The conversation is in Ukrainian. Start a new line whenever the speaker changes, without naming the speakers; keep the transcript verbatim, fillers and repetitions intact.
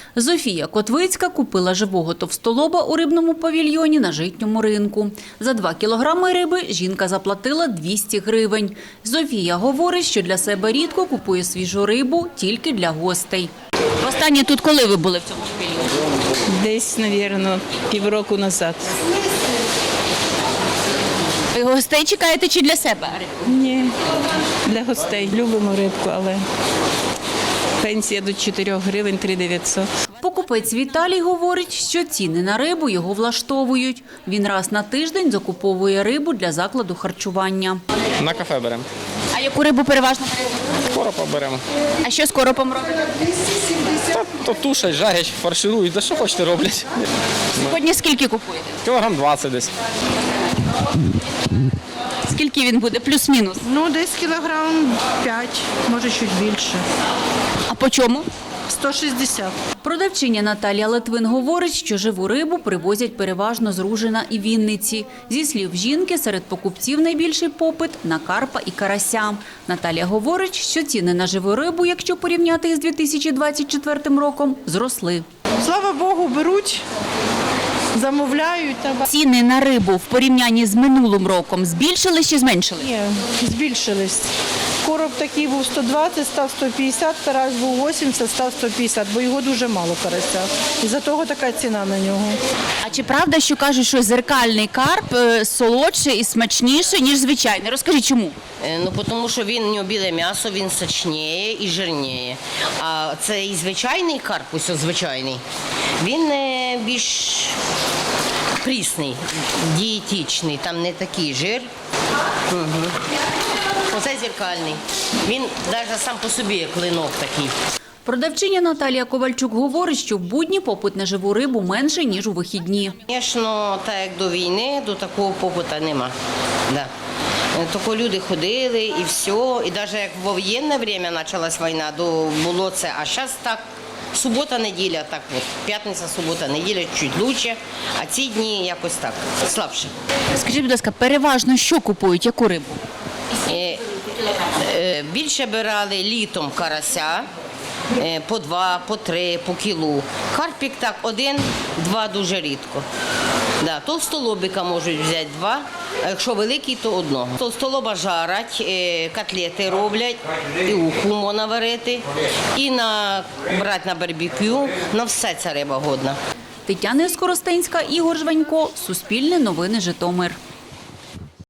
Зофія Котвицька купила живого товстолоба у рибному павільйоні на житньому ринку. За два кілограми риби жінка заплатила двісті гривень. Зофія говорить, що для себе рідко купує свіжу рибу, тільки для гостей. Востаннє тут коли ви були в цьому павільйоні?
Десь, мабуть, півроку назад.
Ви гостей чекаєте чи для себе?
Ні, для гостей. Любимо рибку, але пенсія до чотирьох гривень, три дев'ятсот.
Покупець Віталій говорить, що ціни на рибу його влаштовують. Він раз на тиждень закуповує рибу для закладу харчування.
На кафе беремо.
А яку рибу переважно берете?
Коропа беремо.
А що з коропом робите?
Та то тушать, жарять, фарширують, да що хочете роблять.
Сьогодні скільки купуєте?
Кілограм двадцять десь.
Скільки він буде? Плюс-мінус.
Ну, десь кілограм п'ять, може чуть більше.
А по чому?
сто шістдесят.
Продавчиня Наталія Литвин говорить, що живу рибу привозять переважно з Ружина і Вінниці. Зі слів жінки, серед покупців найбільший попит на карпа і карася. Наталія говорить, що ціни на живу рибу, якщо порівняти із дві тисячі двадцять четвертим роком, зросли.
Слава Богу, беруть, замовляють.
Ціни на рибу в порівнянні з минулим роком збільшились чи зменшились?
Ні, збільшились. Короб такий був сто двадцять, став сто п'ятдесят, карась був вісімдесят, став сто п'ятдесят, бо його дуже мало карася. Із-за того така ціна на нього.
А чи правда, що кажуть, що зеркальний карп е, солодший і смачніший, ніж звичайний? Розкажіть, чому?
Е, Ну, тому що він, у нього біле м'ясо, він сочніє і жирніє. А цей звичайний карп, ось звичайний, він е, більш прісний, дієтичний, там не такий жир. Угу. Оце зеркальний. Він навіть сам по собі як клинок такий.
Продавчиня Наталія Ковальчук говорить, що в будні попит на живу рибу менший, ніж у вихідні.
Звісно, так як до війни, до такого попиту нема. Да. Тільки люди ходили і все. І навіть як в воєнне час почалась війна, то було це. А зараз так, субота-неділя, так от, п'ятниця, субота, неділя чуть краще, а ці дні якось так, слабше.
Скажіть, будь ласка, переважно що купують, яку рибу?
Е, е, Більше брали літом карася, е, по два, по три, по кілу. Карпік так один, два дуже рідко. Да, товстолобика можуть взяти два, а якщо великий, то одного. Товстолоба жарять, е, котлети роблять, і уху можна варити, і на, брати на барбекю, на все ця риба годна.
Тетяна Скоростенська, Ігор Жванько, Суспільне новини, Житомир.